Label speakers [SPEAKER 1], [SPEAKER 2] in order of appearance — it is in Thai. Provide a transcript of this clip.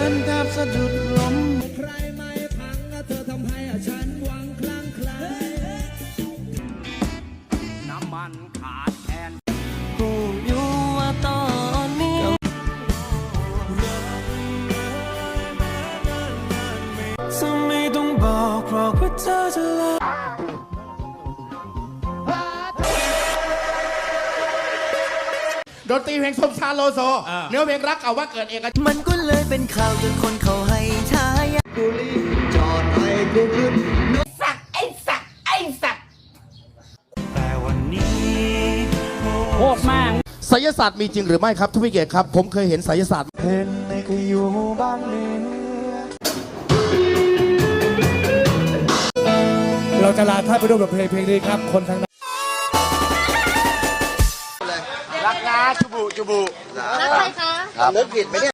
[SPEAKER 1] นแทบสะดุดล้ม
[SPEAKER 2] ใครไม่พังเธอทำให้ฉันหวังคลั่งไคล้น้ำมันขาดแทน
[SPEAKER 1] กูอยู่ว่าตอนนี้จะไม่ต้องบอกหรอกว่าเธอจะลา
[SPEAKER 3] ดนตรีเพลงสมชายโลโซเนื้อเพลงรักเก่าว่าเกิดเอก
[SPEAKER 1] มันก็เลยเป็นข่าวจนคนเขาให้ทาย
[SPEAKER 2] กูรีบจอดให้กูขึ้น
[SPEAKER 3] สักไอ้สักไอ้สัก
[SPEAKER 1] แต่วันนี้
[SPEAKER 4] โคตรมาก
[SPEAKER 3] ไสยศาสตร์มีจริงหรือไม่ครับทุกพิเกตครับผมเคยเห็นไสยศาสตร์
[SPEAKER 1] เห็นในขยูบ้านเนื้อ
[SPEAKER 5] เราจะลาท่านไปด้วยบทเพลงนี้ครับคนทาง
[SPEAKER 3] รักนะจุบุ
[SPEAKER 6] รักใครคะ
[SPEAKER 2] นึกผิดไหมเนี่ย